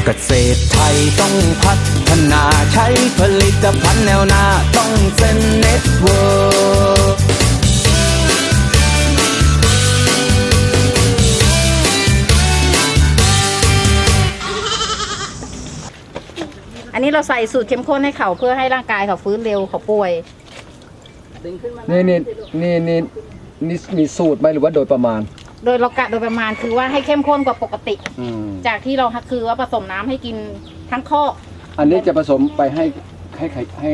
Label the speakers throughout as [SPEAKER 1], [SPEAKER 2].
[SPEAKER 1] เกษตรไทยต้องพัฒนาใช้ผลิตภัณฑ์แนวหน้าต้องเซ็นเน็ตเวิร์ก
[SPEAKER 2] อันนี้เราใส่สูตรเข้มข้นให้เขาเพื่อให้ร่างกายเขาฟื้นเร็วเขาป่วย
[SPEAKER 3] นี่มีสูตรไหมหรือว่าโดยประมาณ
[SPEAKER 2] โดยเรากะโดยประมาณคือว่าให้เข้มข้นกว่าปกติจากที่เราคือว่าผสมน้ำให้กินทั้งข้อ
[SPEAKER 3] อันนี้จะผสมไปให้แ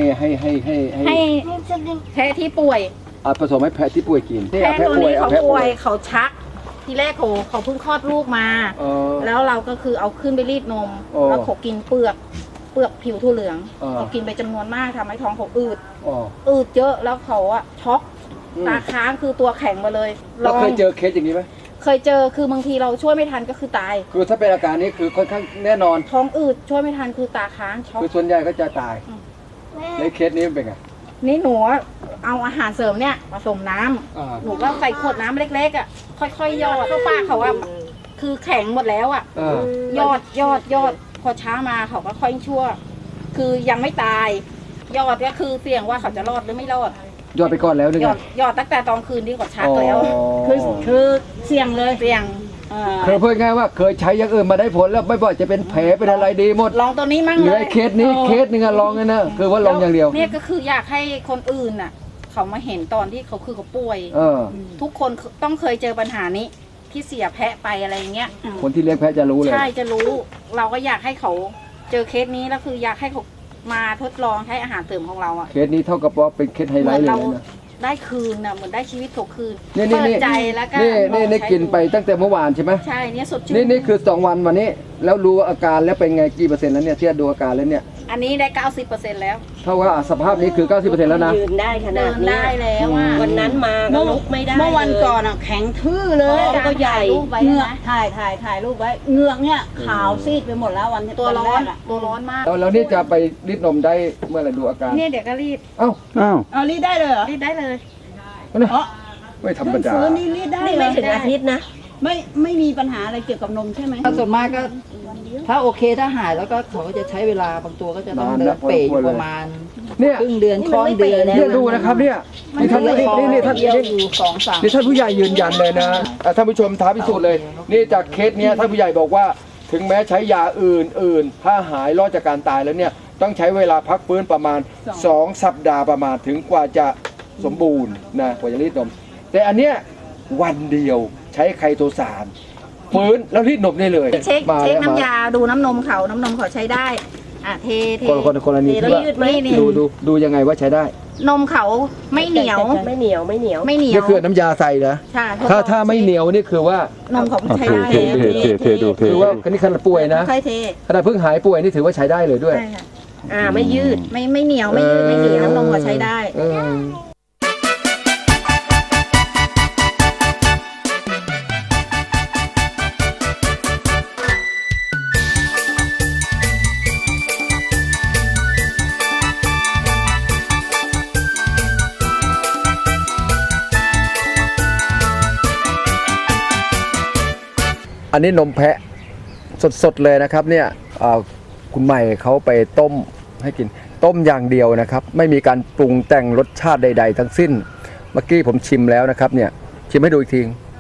[SPEAKER 2] พะที่ป่วย
[SPEAKER 3] ผสมให้แพะที่ป่วยกิน
[SPEAKER 2] แพะตัวนี้เขาป่วยเขาชักทีแรกเขาเพิ่งคลอดลูกมาแล้วเราก็คือเอาขึ้นไปรีดนมแล้วเขากินเปลือกผิวถั่วเหลืองเขากินไปจำนวนมากทำให้ท้องเขาอืดเยอะแล้วเขาอะช็อกตาค้างคือตัวแข็งมาเลย
[SPEAKER 3] เราเคยเจอเคสอย่างนี้ไหม
[SPEAKER 2] เคยเจอคือบางทีเราช่วยไม่ทันก็คือตาย
[SPEAKER 3] คือถ้าเป็นอาการนี้คือค่อนข้างแน่นอน
[SPEAKER 2] ท้องอืดช่วยไม่ทันคือตาค้างช็อก
[SPEAKER 3] คือส่วนใหญ่ก็จะตายในเคสนี้เป็นไง
[SPEAKER 2] นี่หนูเอาอาหารเสริมเนี่ยผสมน้ำหนูก็ใส่ขวดน้ำเล็กๆอ่ะค่อยๆยอดเข้าปากเขาว่าคือแข็งหมดแล้วอ่ะยอดพอช้ามาเขาก็ค่อยชั่วคือยังไม่ตายยอดก็คือเสี่ยงว่าเขาจะรอดหรือไม่รอด
[SPEAKER 3] ยอดไปก่อนแล้วเนี่ย
[SPEAKER 2] ยอดตั้งแต่ตอนคืนที่เขาชักแล้วคือเสี่ยงเลยเสี่ยง
[SPEAKER 3] เคยพูดง่ายว่าเคยใช้อย่างอื่นมาได้ผลแล้วไม่บ่อยจะเป็นแผลเป็นอะไรดีหมด
[SPEAKER 2] ลองตัวนี้มั่ง
[SPEAKER 3] เลยเคสนี้เคสนึงลองเลยนะคือว่าลองอย่างเดียว
[SPEAKER 2] เนี่ยก็คืออยากให้คนอื่นน่ะเขามาเห็นตอนที่เขาป่วยทุกคนต้องเคยเจอปัญหานี้ที่เสียแพะไปอะไรเงี้ย
[SPEAKER 3] คนที่เลี้ยงแพะจะรู้เลย
[SPEAKER 2] ใช่จะรู้เราก็อยากให้เขาเจอเคสนี้แล้วคืออยากให้เขามาทดลองใช้อาหารเสริมของเราอะ
[SPEAKER 3] เคสนี้เท่ากับว่าเป็นเคสไฮไลท์เลยนะ
[SPEAKER 2] ได้คืนน่ะเหมือนได้ชีวิตเขาคืน
[SPEAKER 3] เปิดใจแล้วก็นี่กินไปตั้งแต่เมื่อวานใช่ไหม
[SPEAKER 2] ใช่เนี่ยสดชื่น
[SPEAKER 3] นี่คือ2 วันวันนี้แล้วรู้อาการแล้วเป็นไงกี่เปอร์เซ็นต์แล้วเนี่ยที่ดูอาการแล้วเนี่ย
[SPEAKER 2] อันนี้ได้ 90% แล้ว
[SPEAKER 3] เท่ากับสภาพนี้คือ 90% แล้วนะ
[SPEAKER 4] ยืนได้ขนาดนี้
[SPEAKER 2] ได้แล้ว
[SPEAKER 4] วันนั้นมาลุกไม่ได้
[SPEAKER 2] เมื่อวันก่อนอ่ะแข็งทื่อเลย
[SPEAKER 4] ก็ใหญ่
[SPEAKER 2] เงือกถ่ายรูปไว้เงือกเนี่ยขาวซีดไปหมดแล้ววันตัวร้อนมาก
[SPEAKER 3] แล้วนี่จะไปรีดนมได้เมื่อไหร่ดูอาการ
[SPEAKER 2] เนี่ยเดี๋ยวก็รีด
[SPEAKER 4] รีดได้เลยเหรอ
[SPEAKER 2] รีดได้เลย
[SPEAKER 3] ไม่ธรรมดา
[SPEAKER 4] นี่รีดได้ไม่ถึงอาทิตย์นะ
[SPEAKER 2] ไม่มีปัญหาอะไรเกี่ยวกับนมใช่ไหม
[SPEAKER 5] ส่วนมากก็ถ้าโอเคถ้าหายแล้วก็เขาจะใช้เวลาบางตัวก็จะต้องเดินเป๋อยู่ประมาณครึ่งเดือนครึ่งเดือน
[SPEAKER 3] เนี่ยดูนะครับเนี่ยนี่ท่านนี่ท่านผู้ใหญ่ยืนยันเลยนะท่านผู้ชมท้าพิสูจน์เลยนี่จากเคสเนี้ยท่านผู้ใหญ่บอกว่าถึงแม้ใช้ยาอื่นถ้าหายรอดจากการตายแล้วเนี่ยต้องใช้เวลาพักฟื้นประมาณ2 สัปดาห์ประมาณถึงกว่าจะสมบูรณ์นะกว่าจะรีดนมแต่อันเนี้ยวันเดียวใช้ไคโตซานฟื้นแล้วรีดนมได้เลย
[SPEAKER 2] เช็คน้ำยาดูน้ำนมเขาใช้ได้เท
[SPEAKER 3] คนละนี้ดูยังไงว่าใช้ได้
[SPEAKER 2] นมเขาไม่เหนียว
[SPEAKER 3] นี่คือน้ำยาใส่เหรอถ้าไม่เหนียวนี่คือว่าน
[SPEAKER 2] มเขาใช้ได้
[SPEAKER 3] คือว่านี่ขนาดป่วยนะขนาดเพิ่งหายป่วยนี่ถือว่าใช้ได้เลยด้วย
[SPEAKER 4] ไม่ยืด
[SPEAKER 2] ไม่เหนียวไม่ยืดไม่เหนียวน้ำนมเขาใช้ได้
[SPEAKER 3] อันนี้นมแพะสดๆเลยนะครับเนี่ยคุณใหม่เขาไปต้มให้กินต้มอย่างเดียวนะครับไม่มีการปรุงแต่งรสชาติใดๆทั้งสิ้นเมื่อกี้ผมชิมแล้วนะครับเนี่ยชิมให้ดูอีกที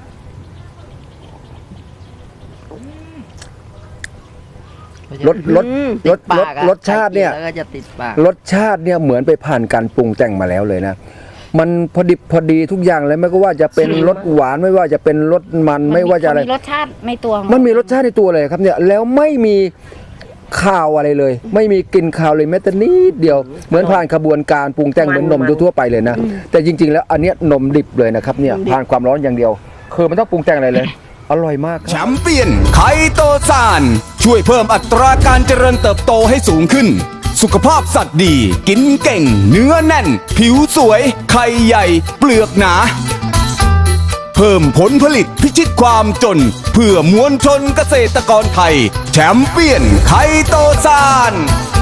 [SPEAKER 3] รสชาติเนี่ยรสชาติเนี่ยเหมือนไปผ่านการปรุงแต่งมาแล้วเลยนะมันพอดิบพอดีทุกอย่างเลยไม่ว่าจะเป็นรสหวานไม่ว่าจะเป็นรสมันไม่ว่าจะอะไร
[SPEAKER 2] มีรสชาติในตัว
[SPEAKER 3] มันมีรสชาติในตัวเลยครับเนี่ยแล้วไม่มีข้าวอะไรเลยไม่มีกลิ่นข้าวเลยแม้แต่นิดเดียวเหมือนผ่านกระบวนการปรุงแต่งเหมือนนมทั่วไปเลยนะแต่จริงๆแล้วอันนี้นมดิบเลยนะครับเนี่ยผ่านความร้อนอย่างเดียวคือมันต้องปรุงแต่งอะไรเลยอร่อยมาก
[SPEAKER 1] แชมเปี้ยนไคโตซานช่วยเพิ่มอัตราการเจริญเติบโตให้สูงขึ้นสุขภาพสัตว์ดีกินเก่งเนื้อแน่นผิวสวยไข่ใหญ่เปลือกหนาเพิ่มผลผลิตพิชิตความจนเพื่อมวลชนเกษตรกรไทยแชมเปี้ยนไคโตซาน